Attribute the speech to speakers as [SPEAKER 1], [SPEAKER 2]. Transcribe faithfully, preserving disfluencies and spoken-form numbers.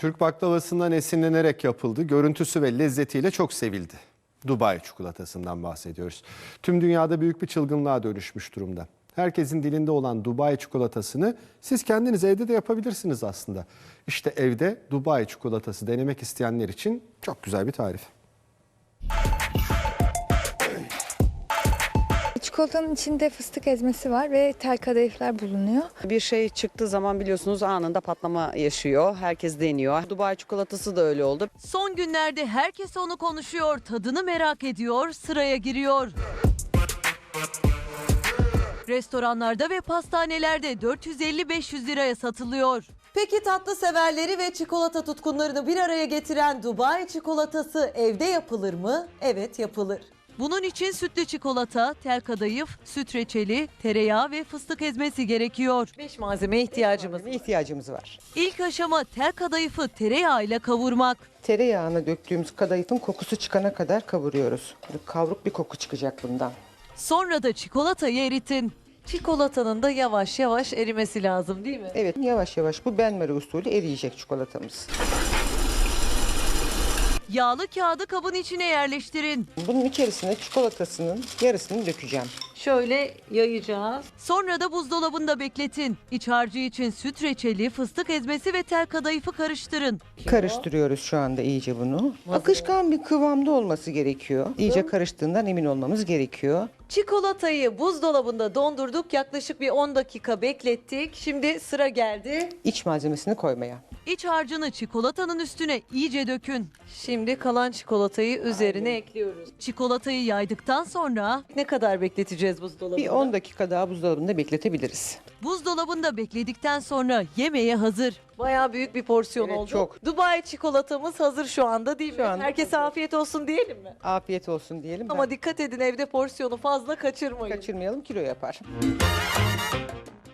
[SPEAKER 1] Türk baklavasından esinlenerek yapıldı. Görüntüsü ve lezzetiyle çok sevildi. Dubai çikolatasından bahsediyoruz. Tüm dünyada büyük bir çılgınlığa dönüşmüş durumda. Herkesin dilinde olan Dubai çikolatasını siz kendiniz evde de yapabilirsiniz aslında. İşte evde Dubai çikolatası denemek isteyenler için çok güzel bir tarif.
[SPEAKER 2] Çikolatanın içinde fıstık ezmesi var ve tel kadayıflar bulunuyor.
[SPEAKER 3] Bir şey çıktığı zaman biliyorsunuz anında patlama yaşıyor. Herkes deniyor. Dubai çikolatası da öyle oldu.
[SPEAKER 4] Son günlerde herkes onu konuşuyor, tadını merak ediyor, sıraya giriyor. Restoranlarda ve pastanelerde dört yüz elli beş yüz liraya satılıyor.
[SPEAKER 5] Peki tatlı severleri ve çikolata tutkunlarını bir araya getiren Dubai çikolatası evde yapılır mı? Evet, yapılır.
[SPEAKER 4] Bunun için sütlü çikolata, tel kadayıf, süt reçeli, tereyağı ve fıstık ezmesi gerekiyor.
[SPEAKER 5] Beş malzemeye ihtiyacımız.
[SPEAKER 6] ihtiyacımız var.
[SPEAKER 4] İlk aşama tel kadayıfı tereyağıyla kavurmak.
[SPEAKER 6] Tereyağına döktüğümüz kadayıfın kokusu çıkana kadar kavuruyoruz. Böyle kavruk bir koku çıkacak bundan.
[SPEAKER 4] Sonra da çikolatayı eritin.
[SPEAKER 5] Çikolatanın da yavaş yavaş erimesi lazım değil mi?
[SPEAKER 6] Evet, yavaş yavaş bu benmari usulü eriyecek çikolatamız.
[SPEAKER 4] Yağlı kağıdı kabın içine yerleştirin.
[SPEAKER 6] Bunun içerisine çikolatasının yarısını dökeceğim.
[SPEAKER 5] Şöyle yayacağız.
[SPEAKER 4] Sonra da buzdolabında bekletin. İç harcı için süt reçeli, fıstık ezmesi ve tel kadayıfı karıştırın.
[SPEAKER 6] Karıştırıyoruz şu anda iyice bunu. Akışkan bir kıvamda olması gerekiyor. İyice karıştığından emin olmamız gerekiyor.
[SPEAKER 5] Çikolatayı buzdolabında dondurduk. Yaklaşık bir on dakika beklettik. Şimdi sıra geldi.
[SPEAKER 6] İç malzemesini koymaya.
[SPEAKER 4] İç harcını çikolatanın üstüne iyice dökün.
[SPEAKER 5] Şimdi kalan çikolatayı üzerine ekliyoruz.
[SPEAKER 4] Çikolatayı yaydıktan sonra
[SPEAKER 5] Ne kadar bekleteceğiz buzdolabında?
[SPEAKER 6] Bir on dakika daha buzdolabında bekletebiliriz.
[SPEAKER 4] buzdolabında bekledikten sonra yemeğe hazır.
[SPEAKER 5] Bayağı büyük bir porsiyon
[SPEAKER 6] Evet,
[SPEAKER 5] oldu.
[SPEAKER 6] çok.
[SPEAKER 5] Dubai çikolatamız hazır şu anda değil mi?
[SPEAKER 6] Şu anda
[SPEAKER 5] Herkese
[SPEAKER 6] hazır.
[SPEAKER 5] afiyet olsun diyelim mi?
[SPEAKER 6] Afiyet olsun diyelim.
[SPEAKER 5] Ama
[SPEAKER 6] Ben
[SPEAKER 5] dikkat edin, evde porsiyonu fazla kaçırmayın.
[SPEAKER 6] kaçırmayalım, kilo yapar.